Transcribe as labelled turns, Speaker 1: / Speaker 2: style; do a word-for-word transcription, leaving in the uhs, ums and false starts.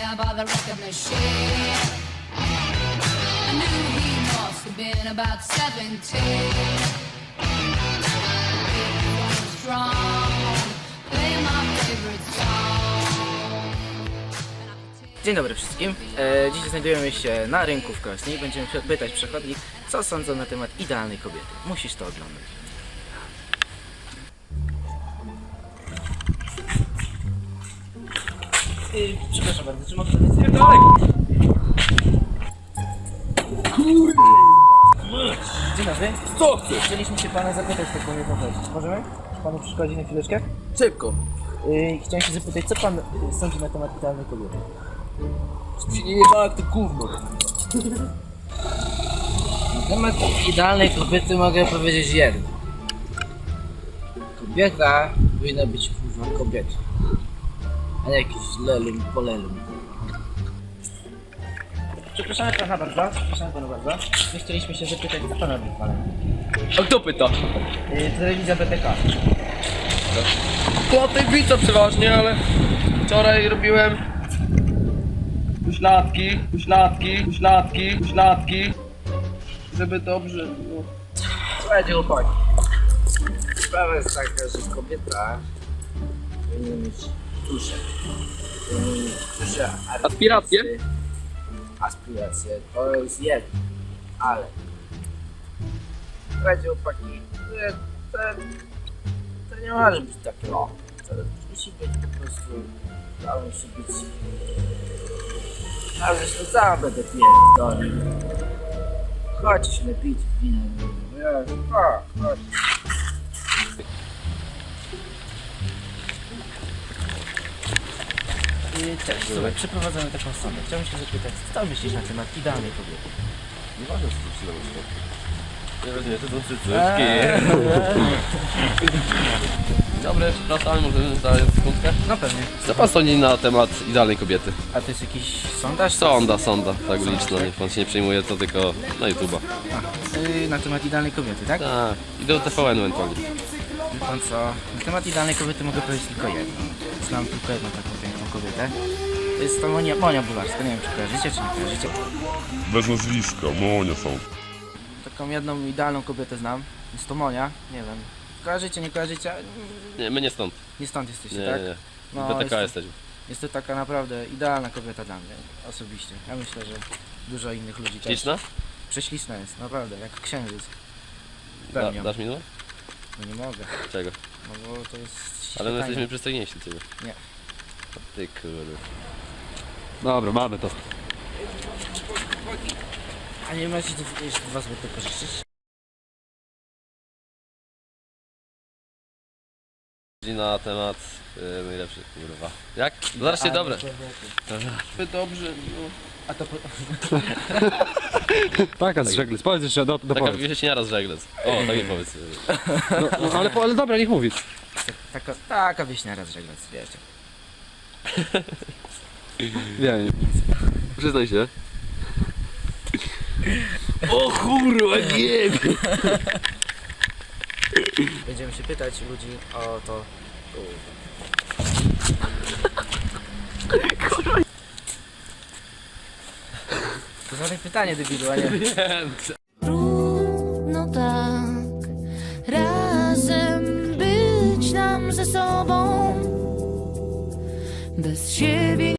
Speaker 1: down by the record machine. I knew he must have been about seventeen. He was strong, playing my favorite song.
Speaker 2: Dzień dobry wszystkim. E, dzisiaj znajdujemy się na rynku w Krośnie i będziemy pytać przechodni, co sądzą na temat idealnej kobiety. Musisz to oglądać. Yy, przepraszam bardzo, czy mogę powiedzieć? Nie, dalej! Kurde! Dzień dobry.
Speaker 3: Co chcesz?
Speaker 2: Chcieliśmy się pana zapytać taką jedną rzecz. Możemy? Czy panu przeszkodzi na chwileczkę?
Speaker 3: Szybko.
Speaker 2: Yy, chciałem się zapytać, co pan sądzi na temat idealnej kobiety?
Speaker 3: Żeby się nie jebała jak to gówno.
Speaker 4: Na temat idealnej kobiety mogę powiedzieć jedno. Kobieta powinna być kurwa kobietą, a nie jakiś lelum polelum.
Speaker 2: Przepraszamy pana bardzo, przepraszamy pana bardzo. My chcieliśmy się zapytać, co pan robi w Palermo?
Speaker 3: A kto pyta?
Speaker 2: Yy, telewizja B T K.
Speaker 3: To tej pizza przeważnie, ale wczoraj robiłem pośladki, pośladki, pośladki, pośladki, żeby dobrze było.
Speaker 4: Słuchajcie chłopaki, sprawa jest taka, że kobieta powinna mieć duszę. Powinna mieć duszę,
Speaker 3: Aspiracje?
Speaker 4: Aspiracje, to jest jedno, ale słuchajcie chłopaki, to, to, to nie może być takie o. To musi być po prostu, to musi być, ale zresztą sam będę pierdolił. Chodźcie się napić wina, ja, chodź, chodź.
Speaker 2: Yy, cześć, słuchaj, przeprowadzamy taką sondę. Chciałbym się zapytać, co myślisz na temat idealnej kobiety?
Speaker 5: Nie ważne, co tu przydało się. Nie rozumiem, to są cycki.
Speaker 3: Dobry, przepraszam, możemy zadać sekundkę?
Speaker 2: No pewnie.
Speaker 3: Co pan sądzi na temat idealnej kobiety?
Speaker 2: A to jest jakiś sondaż?
Speaker 3: Sonda, sonda, tak uliczna, niech pan się nie przejmuje, to tylko na YouTube'a.
Speaker 2: Yy, na temat idealnej kobiety, tak?
Speaker 3: Tak, i do T V N ewentualnie.
Speaker 2: Wie pan co? Na temat idealnej kobiety mogę powiedzieć tylko jedno. Znam tylko jedną taką piękną kobietę. To jest to Monia, Monia Bularska, nie wiem czy kojarzycie, czy nie kojarzycie.
Speaker 5: Bez nazwiska, Monia są.
Speaker 2: Taką jedną idealną kobietę znam. Jest to Monia, nie wiem. Kojarzycie, nie kojarzycie?
Speaker 3: Nie, my nie stąd.
Speaker 2: Nie stąd jesteście,
Speaker 3: Nie,
Speaker 2: tak?
Speaker 3: nie, nie.
Speaker 2: No,
Speaker 3: B T
Speaker 2: jest
Speaker 3: K
Speaker 2: to-
Speaker 3: jesteśmy.
Speaker 2: Jest to taka naprawdę idealna kobieta dla mnie, osobiście. Ja myślę, że dużo innych ludzi też.
Speaker 3: Śliczna?
Speaker 2: Prześliczna jest, naprawdę, jak księżyc.
Speaker 3: Da,
Speaker 2: Pełnią.
Speaker 3: dasz mi numer?
Speaker 2: No nie mogę,
Speaker 3: Czego?
Speaker 2: no bo to jest
Speaker 3: Ale my
Speaker 2: świetanie.
Speaker 3: jesteśmy przystojniejsi od ciebie.
Speaker 2: Nie.
Speaker 3: O ty kurde.
Speaker 6: Dobra, mamy to.
Speaker 2: A nie macie tu jeszcze dwa złote pożyczyć?
Speaker 3: Na temat yy, najlepszych, kurwa. Jak? Zaraz się dobre. Dobrze, no.
Speaker 2: A to po...
Speaker 6: Taka z żeglec, powiedz jeszcze do, do
Speaker 3: Taka
Speaker 6: powiedz.
Speaker 3: wieśniara z żeglec. O, tak nie powiedz.
Speaker 6: No, no, ale, ale dobra, niech mówi.
Speaker 2: taka, taka wieśniara z żeglec, wiecie.
Speaker 6: Nie, nie.
Speaker 3: Przyznaj się. O kurwa, nie!
Speaker 2: Będziemy się pytać ludzi o to... To zadaj pytanie, debilu, a nie...
Speaker 7: Trudno tak razem być nam ze sobą bez siebie.